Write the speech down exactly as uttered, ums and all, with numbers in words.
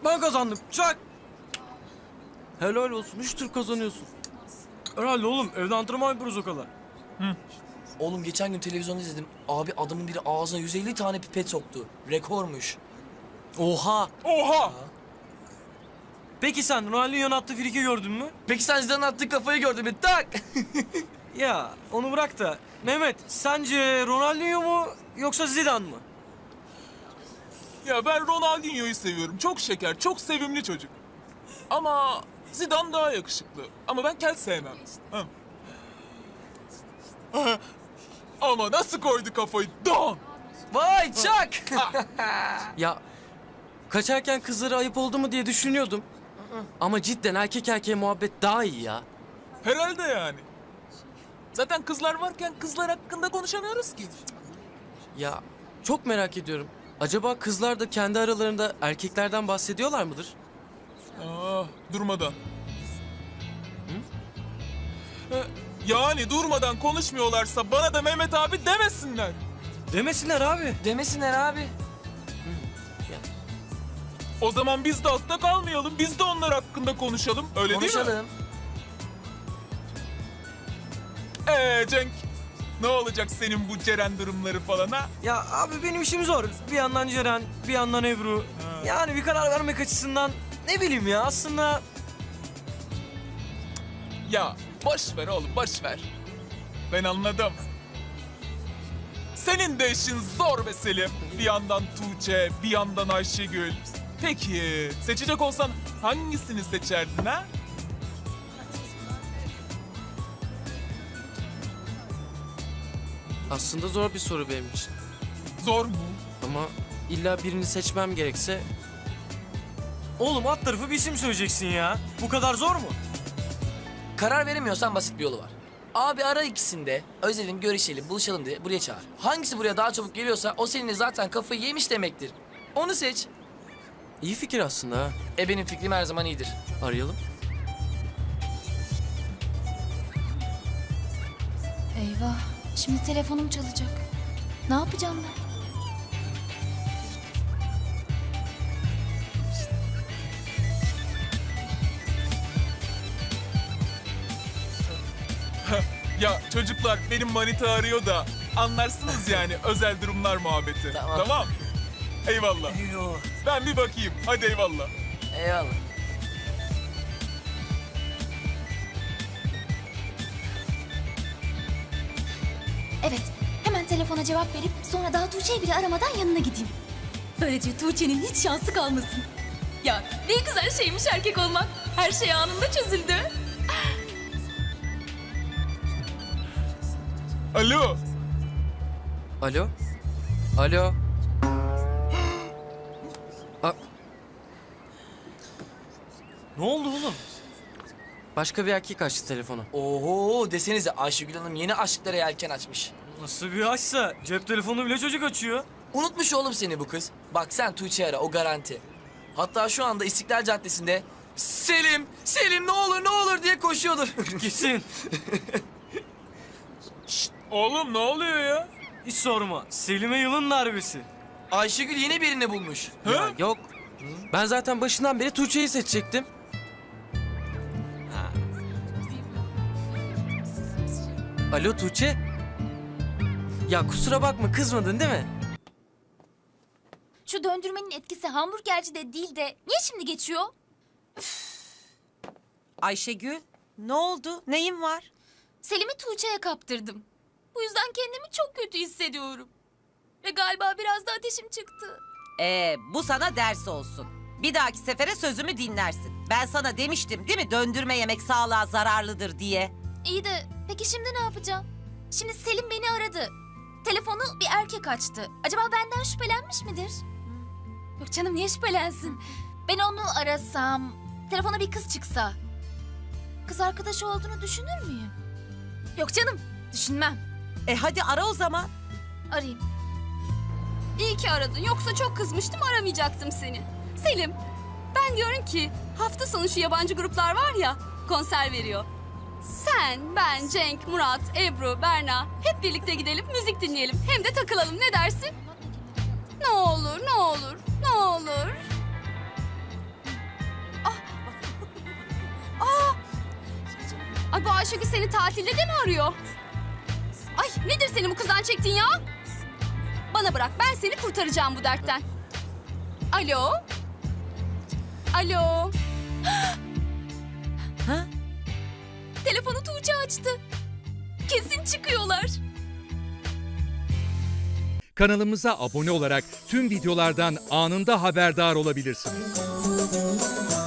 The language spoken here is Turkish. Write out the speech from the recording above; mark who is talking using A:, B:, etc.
A: Ben kazandım. Çak. Helal olsun. Üç tur kazanıyorsun. Herhalde oğlum. Evde antrenman yapıyoruz o kadar.
B: Oğlum geçen gün televizyonda izledim. Abi adamın biri ağzına yüz elli tane pipet soktu. Rekormuş.
A: Oha.
C: Oha!
A: Peki sen Ronaldinho'nun attığı friki gördün mü?
B: Peki sen Zidane'ın attığı kafayı gördün mü? Tak!
A: Ya onu bırak da. Mehmet sence Ronaldinho mu yoksa Zidane mı?
C: Ya ben Ronaldinho'yu seviyorum. Çok şeker, çok sevimli çocuk. Ama Zidane daha yakışıklı. Ama ben kel sevmem. Hı. Ama nasıl koydu kafayı? Don!
B: Vay çak!
A: Ya kaçarken kızlara ayıp oldu mu diye düşünüyordum. Ama cidden erkek erkeğe muhabbet daha iyi ya.
C: Herhalde yani. Zaten kızlar varken kızlar hakkında konuşamıyoruz ki.
A: Ya çok merak ediyorum. Acaba kızlar da kendi aralarında erkeklerden bahsediyorlar mıdır?
C: Ah, durmadan. Hı? Yani durmadan konuşmuyorlarsa bana da Mehmet abi demesinler.
A: Demesinler abi.
B: Demesinler abi.
C: O zaman biz de altta kalmayalım. Biz de onlar hakkında konuşalım. Öyle değil mi?
B: Konuşalım.
C: Ee Cenk, ne olacak senin bu Ceren durumları falan ha?
A: Ya abi benim işim zor. Bir yandan Ceren, bir yandan Ebru. Yani bir karar vermek açısından ne bileyim ya aslında...
C: Ya boş ver oğlum, boş ver. Ben anladım. Senin de işin zor be Selim. Bir yandan Tuğçe, bir yandan Ayşegül. Peki, seçecek olsan hangisini seçerdin ha?
A: Aslında zor bir soru benim için.
C: Zor mu?
A: Ama illa birini seçmem gerekse... Oğlum alt tarafı bir isim söyleyeceksin ya. Bu kadar zor mu?
B: Karar veremiyorsan basit bir yolu var. Abi ara ikisini de özledim, görüşelim, buluşalım diye buraya çağır. Hangisi buraya daha çabuk geliyorsa o seninle zaten kafayı yemiş demektir. Onu seç.
A: İyi fikir aslında ha.
B: E benim fikrim her zaman iyidir.
A: Arayalım.
D: Eyvah. Şimdi telefonum çalacak. Ne yapacağım ben?
C: Ya çocuklar benim manita arıyor da anlarsınız yani özel durumlar muhabbeti.
B: Tamam.
C: Tamam. Eyvallah. Ben bir bakayım. Hadi eyvallah.
B: Eyvallah.
D: Evet. Hemen telefona cevap verip sonra daha Tuğçe'yi bile aramadan yanına gideyim. Böylece Tuğçe'nin hiç şansı kalmasın. Ya ne güzel şeymiş erkek olmak. Her şey anında çözüldü.
C: Alo.
A: Alo? Alo? A- ne oldu oğlum? Başka bir erkek açtı telefonu.
B: Oho desenize Ayşegül Hanım yeni aşklara yelken açmış.
A: Nasıl bir açsa cep telefonu bile çocuk açıyor.
B: Unutmuş oğlum seni bu kız. Bak sen Tuğçe'yi ara o garanti. Hatta şu anda İstiklal Caddesi'nde Selim, Selim ne olur ne olur diye koşuyordur.
A: Gitsin.
C: Oğlum ne oluyor ya?
A: Hiç sorma. Selim'e yılın darbesi.
B: Ayşegül yeni birini bulmuş.
C: Hı?
A: Ya yok. Ben zaten başından beri Tuğçe'yi seçecektim. Ha. Alo Tuğçe? Ya kusura bakma kızmadın değil mi?
D: Şu döndürmenin etkisi hamburgercide değil de niye şimdi geçiyor?
E: Ayşegül, ne oldu? Neyin var?
D: Selim'i Tuğçe'ye kaptırdım. Bu yüzden kendimi çok kötü hissediyorum. Ve galiba biraz da ateşim çıktı.
E: Ee, bu sana ders olsun. Bir dahaki sefere sözümü dinlersin. Ben sana demiştim değil mi döndürme yemek sağlığa zararlıdır diye.
D: İyi de peki şimdi ne yapacağım? Şimdi Selim beni aradı. Telefonu bir erkek açtı. Acaba benden şüphelenmiş midir? Yok canım niye şüphelensin? Ben onu arasam, telefona bir kız çıksa. Kız arkadaşı olduğunu düşünür müyüm? Yok canım, düşünmem.
E: E hadi ara o zaman.
D: Arayayım.
F: İyi ki aradın. Yoksa çok kızmıştım, aramayacaktım seni. Selim, ben diyorum ki hafta sonu şu yabancı gruplar var ya, konser veriyor. Sen, ben, Cenk, Murat, Ebru, Berna hep birlikte gidelim, müzik dinleyelim. Hem de takılalım. Ne dersin? Ne olur, ne olur, ne olur. Ay bu Ayşegül seni tatilde de mi arıyor? Ay nedir senin bu kızdan çektiğin ya? Bana bırak, ben seni kurtaracağım bu dertten. Alo? Alo?
E: Ha?
F: Telefonu Tuğçe açtı. Kesin çıkıyorlar.
G: Kanalımıza abone olarak tüm videolardan anında haberdar olabilirsiniz.